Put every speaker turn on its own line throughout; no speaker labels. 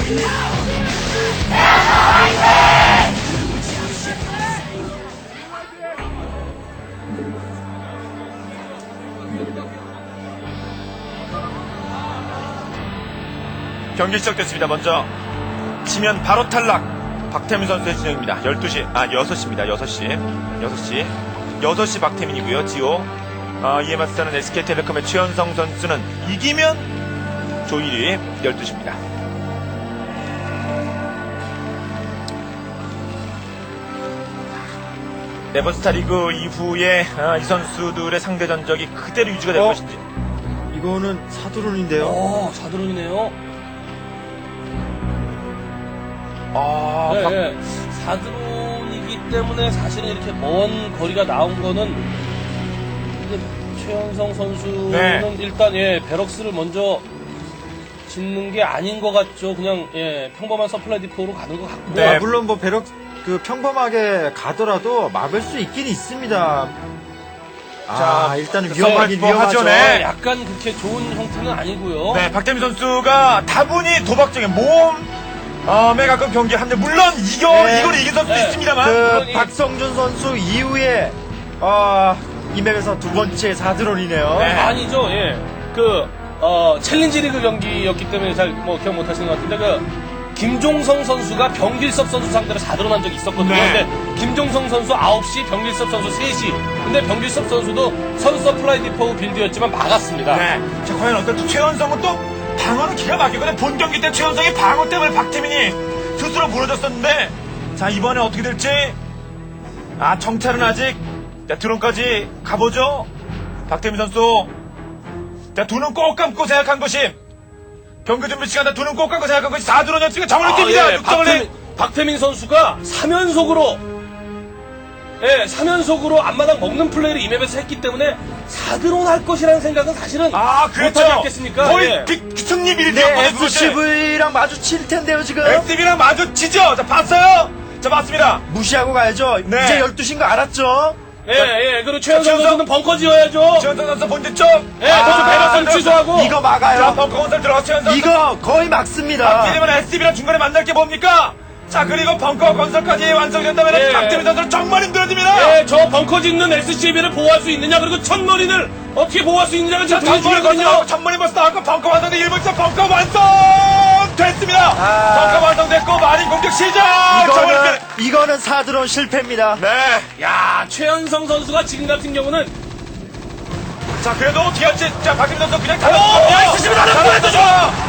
경기 시작됐습니다. 먼저 치면 바로 탈락 박태민 선수의 진영입니다. 6시입니다. 6시 박태민이고요. 지호 이에 맞서는 SK텔레콤의 최현성 선수는 이기면 조일이 12시입니다. 네버스타 리그 이후에 이 선수들의 상대 전적이 그대로 유지가 될 것인지.
이거는 사드론인데요.
사드론이네요. 네, 사드론이기 때문에 사실은 이렇게 먼 거리가 나온 거는 근데 최현성 선수는
네.
일단 베럭스를 먼저 짓는 게 아닌 것 같죠. 그냥 평범한 서플라이 디포로 가는 것 같고.
네.
물론 뭐 배럭 평범하게 가더라도 막을 수 있긴 있습니다. 일단은 위험하긴 위험하죠.
네.
약간 그렇게 좋은 형태는 아니고요.
네, 박태민 선수가 다분히 도박적인 모험에 가까운 경기 한데 물론 이걸 이긴 선수도 있습니다만
박성준 선수 이후에 이 맵에서 두 번째 사드론이네요.
네.
아니죠. 챌린지 리그 경기였기 때문에 잘 기억 못 하시는 것 같은데 김종성 선수가 병길섭 선수 상대로 4드론 한 적이 있었거든요.
네.
근데 김종성 선수 9시, 병길섭 선수 3시. 근데 병길섭 선수도 선 서플라이 디포 빌드였지만 막았습니다.
네. 자, 과연 어떨지 최현성은 또 방어는 기가 막히거든요. 본 경기 때 최현성의 방어 때문에 박태민이 스스로 무너졌었는데 자, 이번에 어떻게 될지 정찰은 아직 드론까지 가보죠. 박태민 선수 두 눈 꼭 감고 생각한 것이 경기 준비 시간에 두 눈 꼭 감고 생각한 것이 4드론 연습가 정원을 뜁니다.
박태민 선수가 3연속으로 앞마당 먹는 플레이를 이 맵에서 했기 때문에 4드론 할 것이라는 생각은 사실은
그렇죠.
못하지 않겠습니까?
거의 승리 빌드였거든요.
SCV랑 마주칠 텐데요, 지금.
SCV랑 마주치죠. 자, 봤어요? 자, 맞습니다.
무시하고 가야죠.
네.
이제 12시인 거 알았죠?
그리고 최현성 선수는 벙커 지어야죠.
최현성 선수 본진 쪽.
선수 배럭스를 취소하고.
이거 막아요.
자, 벙커 건설 들어가 최현성.
이거 거의 막습니다.
박태민은 SCV랑 중간에 만날 게 뭡니까? 자, 그리고 벙커 건설까지 완성된다면 박태민 선수는 정말 힘들어집니다.
저 벙커 짓는 SCB를 보호할 수 있느냐, 그리고 첫머리를 어떻게 보호할 수 있느냐가 지금 되게 중요하거든요.
천머리 버스 나왔고 벙커 완성돼 1분 차 벙커 완성됐습니다. 벙커 완성됐고 마린 공격 시작.
이거는 사드론 실패입니다.
네.
야, 최현성 선수가 지금 같은 경우는
자, 그래도 어떻게 할지. 자, 박태민 선수 그냥
SCB 나는 보내주죠.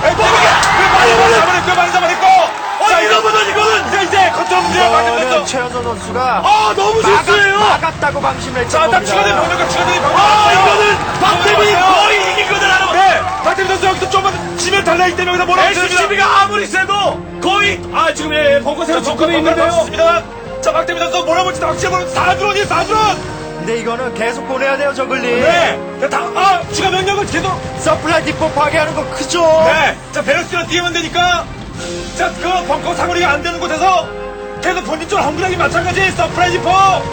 많이 잡아냈고. 이거는 이제 컨트롤 문제야. 박태민 선수.
최현성 선수가
너무 실수예요.
막았다고 방심을 했죠.
자, 딱 추가된 병력과 추가된
이거는 박태민이 거의 이긴 거는 알아.
네, 박태민 선수 여기서 좀만 지면 달라기 때문에 여기서 몰아붙습니다.
SCB가 아무리 세도 거의 지금 벙커 세로 접근해 있는데요.
자, 박태민 선수 몰아붙이다 확실히 몰아붙이다 4드론이.
근데 이거는 계속 보내야 돼요, 저글링.
네. 추가 병력을 계속.
서플라이 디포 파괴하는 거 크죠?
네. 자, 베럭스랑 뛰면 되니까. 자, 그 벙커 사거리가 안 되는 곳에서 계속 본진 쪽으로 헝그라기 마찬가지. 서프라이즈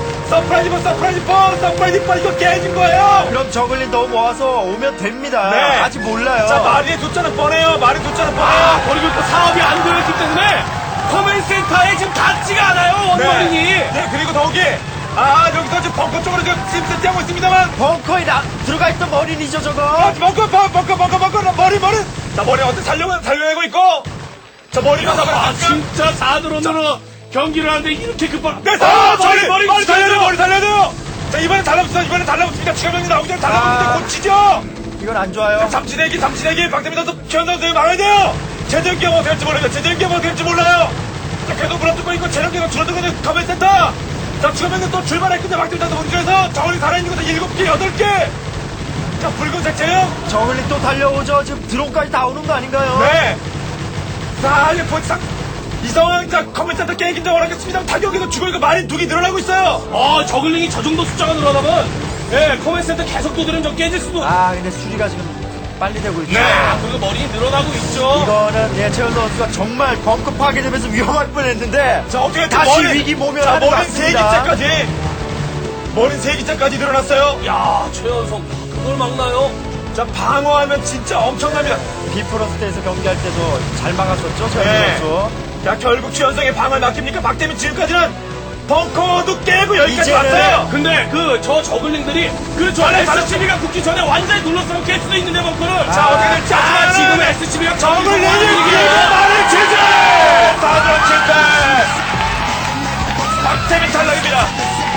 포 이거 깨진 거예요.
그럼 저글링 너무 모아서 오면 됩니다.
네.
아직 몰라요.
자, 마린의 숫자는 뻔해요.
그리고 또 사업이 안 되었기 때문에 커맨 센터에 지금 닿지가 않아요, 원머린이.
네, 그리고 더욱이 여기서 지금 벙커 쪽으로 지금 세팅하고 있습니다만.
벙커에 들어가 있던 머린이죠, 저거.
벙커 머리. 자, 머리 어떻게 살려내고 있고. 자, 머리가
진짜 4드론으로 경기를 하는데 이렇게 급한.
네, 머리 살려야 돼요. 자, 이번에 달라붙습니다. 추가병이 나오기 전에 달라붙는데 고치죠.
이건 안 좋아요.
잠시내기. 박태민 선수, 최현성 선수 막아야 돼요. 제대로 뭐 될지 몰라요. 자, 계속 물어뜯고 있고, 체력계가 줄어들고 있는 커맨 센터. 자, 추가병이 또 출발했는데 박태민 선수 본질에서 저울이 살아있는 것은 7개, 8개. 자, 붉은색 제형.
저글링 또 달려오죠. 지금 드론까지 다 오는 거 아닌가요?
네. 자, 이제 본상. 이 상황, 자, 커맨 센터 깨긴 줄 알았겠습니다. 타격에서 죽어있고 마린 두기 늘어나고 있어요.
저글링이 저 정도 숫자가 늘어나면, 커맨 센터 계속 두드리면 좀 깨질 수도.
근데 수리가 지금 빨리 되고 있죠.
그리고 머리 늘어나고 있죠.
이거는 최현성 선수가 정말 벙커 파괴되면서 위험할 뻔했는데.
자, 어떻게
다시 위기 모면하는 것
머린
같습니다.
3기째까지. 머린 3기째까지 늘어났어요.
야, 최현성, 그걸 막나요?
자, 방어하면 진짜 엄청납니다.
비프로스트에서 경기할 때도 잘 막았었죠, 최현수
네.
선수.
자, 결국 최현성의 방어를 맡깁니까? 박태민 지금까지는 벙커도 깨고 여기까지
이제는-
왔어요.
근데 저 저글링들이 저 SCB가 붙기 전에 완전히 눌러서 깰 수도 있는데 벙커를.
자, 어떻게 될지
아, 지금
지금
SCB가
정글 내리기에 말을 제재! 사전 실패! 박태민 탈락입니다.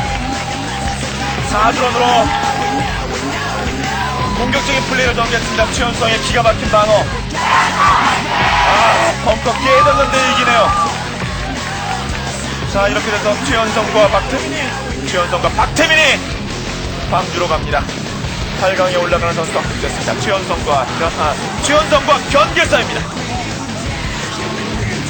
4드론으로 공격적인 플레이를 전개했습니다. 최현성의 기가 막힌 방어. 벙커 깨졌는데 이기네요. 자, 이렇게 돼서 최현성과 박태민이 광주로 갑니다. 8강에 올라가는 선수가 확정됐습니다. 최현성과 변길사입니다.